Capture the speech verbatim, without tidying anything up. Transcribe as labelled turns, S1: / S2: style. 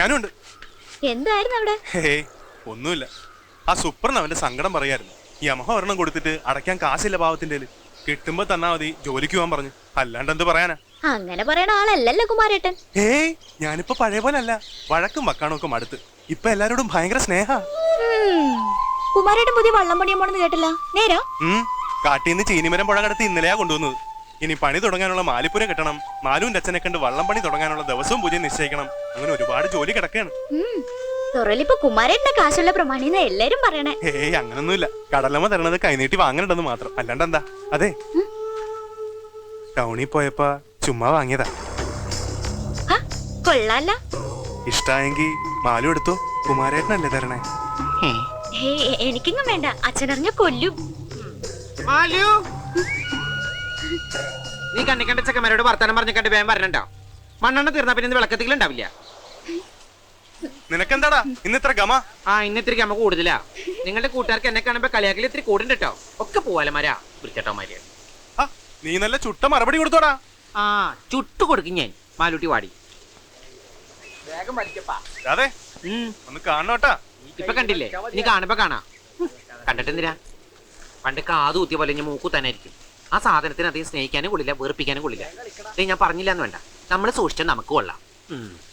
S1: ഞാനും ഉണ്ട്.
S2: എന്തായിരുന്നു അവിടെ?
S1: ഹേയ് ഒന്നുമില്ല. ആ സൂപ്പറിന് അവന്റെ സങ്കടം പറയായിരുന്നു. യമഹ ഒരെണ്ണം കൊടുത്തിട്ട് അടയ്ക്കാൻ കാശില്ല പാവത്തിന്റെ. കിട്ടുമ്പോ തന്നാ മതി, ജോലിക്ക് പോകാൻ പറഞ്ഞു. അല്ലാണ്ട് എന്ത് പറയാനാ?
S2: അങ്ങനെ പറയണ ആളല്ലല്ലോ കുമാരേട്ടൻ.
S1: ഏയ് ഞാനിപ്പോ പഴയ പോലെ അല്ല. വഴക്കും വക്കാണും ഒക്കെ മടുത്ത് ഇപ്പൊ എല്ലാരോടും ഭയങ്കര സ്നേഹ.
S2: കുമാരേട്ടൻ പുതിയ വള്ളം പണിയാൻ പോണെന്ന് കേട്ടില്ല. നേരാ?
S1: ഉം കാട്ടീന്ന് ചീനിമരം പുഴ കടത്തി ഇന്നലെയാ കൊണ്ടുവന്നത്. ഇനി പണി തുടങ്ങാനുള്ള മാലിപ്പുര കെട്ടണം. മാലുവിന്റെ അച്ഛനെ കണ്ട് വള്ളം പണി തുടങ്ങാനുള്ള ദിവസവും പൂജ നിശ്ചയിക്കണം. അങ്ങനെ ഒരുപാട് ജോലി കിടക്കുകയാണ്.
S2: തുറലിപ്പോ കുമാരേട്ടന്റെ കാശുള്ള പ്രമാണിന്ന് എല്ലാരും പറയണേ.
S1: ഏയ് അങ്ങനൊന്നുമില്ല. കടലമ്മ തരണത് കൈനീട്ടി വാങ്ങണ്ടെന്ന് മാത്രം. അല്ലാണ്ട് എന്താ? അതെ, ടൗണിൽ പോയപ്പോ ചുമ്മാ വാങ്ങിയതാ.
S2: കൊള്ളാല്ല.
S1: ഇഷ്ടായെങ്കി മാലു എടുത്തോ. കുമാരേട്ടനല്ലേ തരണേ?
S2: എനിക്കിങ്ങും വേണ്ട. അച്ഛനറിഞ്ഞ കൊല്ലും.
S3: നീ കണ്ണിക്കണ്ട ചെക്കന്മാരോട് വർത്താനം പറഞ്ഞിട്ട് വേഗം വരണണ്ടോ? മണ്ണെണ്ണ തീർന്നാ പിന്നെ വിളക്കത്തിലുണ്ടാവില്ല.
S1: നിനക്കെന്താടാ ഇന്ന് ഇത്ര ഗമ?
S3: ആ ഇന്ന് ഇത്തിരി ഗമ കൂടുതലാ. നിങ്ങളുടെ കൂട്ടുകാർക്ക് എന്നെ കാണുമ്പോ കളിയാക്കൽ ഇത്തിരി കൂടുണ്ട് കേട്ടോ. ഒക്കെ പോവാലമാരാ വൃത്തിട്ടോമാര്.
S1: നീ നല്ല ചുട്ട മറുപടി കൊടുത്തോടാ.
S3: ആ ചുട്ടു കൊടുക്കും ഞാൻ. മാലൂട്ടി വാടി
S1: അതെ ഒന്ന് കാണണോട്ടാ.
S3: ഇപ്പൊ കണ്ടില്ലേ? ഇനി കാണുമ്പോ കാണാ. കണ്ടിട്ടെന്തിനാ? പണ്ട് കാതു കുത്തിയ പോലെ ഞാൻ മൂക്കു തന്നെ ആയിരിക്കും. ആ സാധനത്തിന് അധികം സ്നേഹിക്കാനും കൊള്ളില്ല, വെറുപ്പിക്കാനും കൊള്ളില്ല. ഞാൻ പറഞ്ഞില്ല എന്ന് വേണ്ട. നമ്മള് സൂക്ഷിച്ചാൽ നമുക്ക് കൊള്ളാം.